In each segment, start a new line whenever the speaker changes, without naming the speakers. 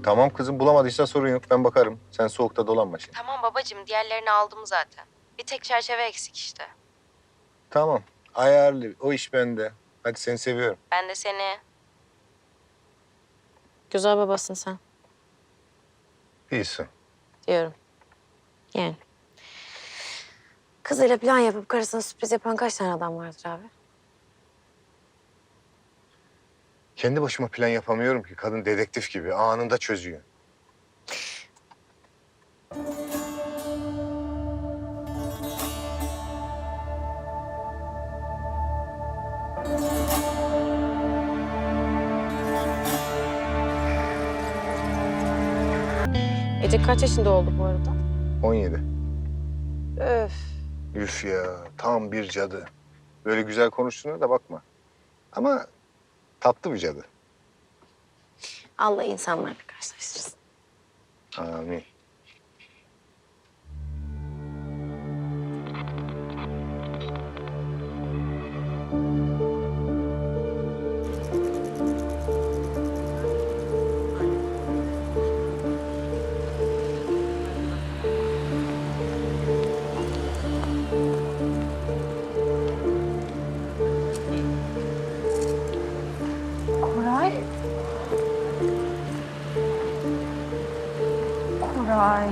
Tamam kızım, bulamadıysan sorun yok. Ben bakarım. Sen soğukta dolanma şimdi.
Tamam babacığım, diğerlerini aldım zaten. Bir tek çerçeve eksik işte.
Tamam. Ayarlı. O iş bende. Hadi seni seviyorum.
Ben de seni. Güzel babasın sen
İyisin.
diyorum. Yani. Kızıyla plan yapıp karısına sürpriz yapan kaç tane adam vardır abi?
Kendi başıma plan yapamıyorum ki. Kadın dedektif gibi. Anında çözüyor.
Ece kaç yaşında oldu bu arada?
17.
Öf.
Üf ya. Tam bir cadı. Böyle güzel konuştuğuna da bakma. Ama tatlı bir cadı.
Allah insanlarla karşılaştırsın.
Amin.
Koray. Koray.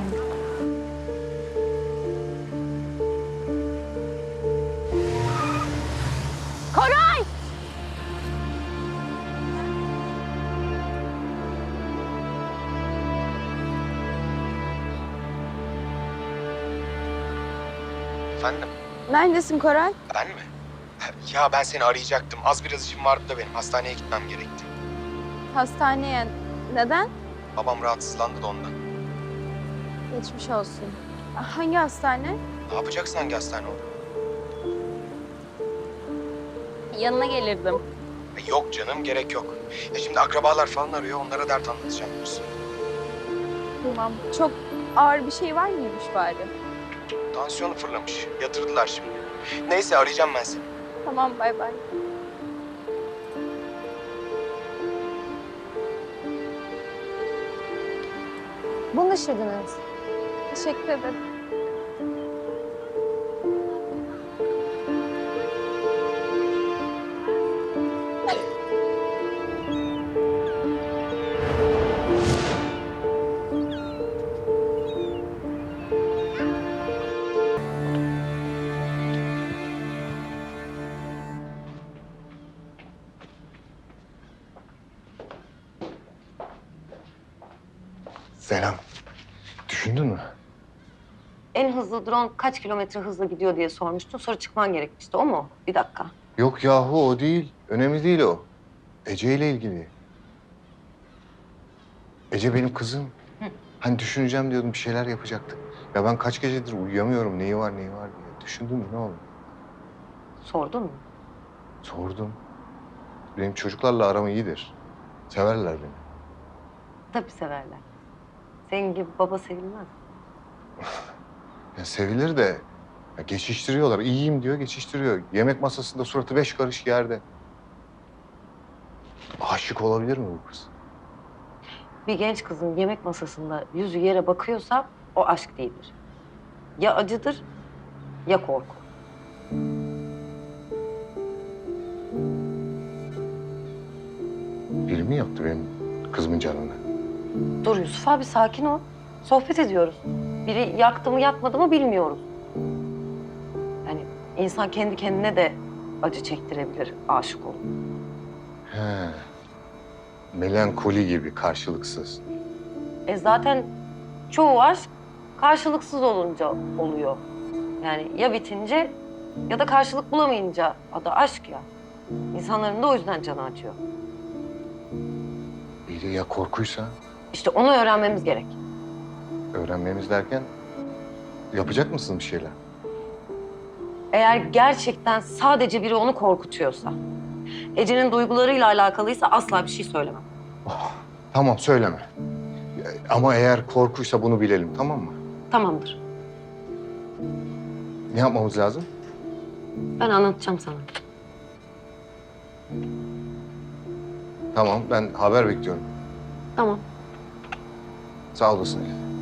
Koray!
Efendim?
Neredesin Koray?
Ben mi? Ya ben seni arayacaktım. Az biraz işim vardı da benim. Hastaneye gitmem gerekti.
Hastaneye. Neden?
Babam rahatsızlandı da ondan.
Geçmiş olsun. Hangi hastane?
Ne yapacaksın hangi hastane oldu?
Yanına gelirdim.
Yok canım, gerek yok. Ya şimdi akrabalar falan arıyor. Onlara dert anlatacağım diyorsun.
Tamam. Çok ağır bir şey var mıymış bari?
Tansiyonu fırlamış. Yatırdılar şimdi. Neyse arayacağım ben seni.
Tamam, bay bay. Bunu ışırdınız. Teşekkür ederim.
Selam. Düşündün mü?
En hızlı drone kaç kilometre hızla gidiyor diye sormuştun. Sonra çıkman gerekmişti. O mu? Bir dakika.
Yok yahu o değil. Önemli değil o. Ece ile ilgili. Ece benim kızım. Hani düşüneceğim diyordum, bir şeyler yapacaktık. Ya ben kaç gecedir uyuyamıyorum. Neyi var diye. Düşündün mü, ne oldu?
Sordun mu?
Sordum. Benim çocuklarla aram iyidir. Severler beni.
Tabii severler. Senin gibi baba sevilmez.
Ya sevilir de ya geçiştiriyorlar. İyiyim diyor, geçiştiriyor. Yemek masasında suratı 5 karış yerde. Aşık olabilir mi bu kız?
Bir genç kızın yemek masasında yüzü yere bakıyorsa o aşk değildir. Ya acıdır ya korku.
Biri mi yaptı benim kızımın canını?
Dur Yusuf abi sakin ol. Sohbet ediyoruz. Biri yaktı mı yakmadı mı bilmiyoruz. Yani insan kendi kendine de acı çektirebilir aşık olup.
He. Melankoli gibi, karşılıksız.
Zaten çoğu aşk karşılıksız olunca oluyor. Yani ya bitince ya da karşılık bulamayınca adı aşk ya. İnsanların da o yüzden canı acıyor.
İyi de ya korkuysa?
İşte onu öğrenmemiz gerek.
Öğrenmemiz derken yapacak mısın bir şeyler?
Eğer gerçekten sadece biri onu korkutuyorsa, Ece'nin duygularıyla alakalıysa asla bir şey söylemem.
Tamam, söyleme. Ama eğer korkuysa bunu bilelim, tamam mı?
Tamamdır.
Ne yapmamız lazım?
Ben anlatacağım sana.
Tamam, ben haber bekliyorum.
Tamam.
Sağ olasın Elif.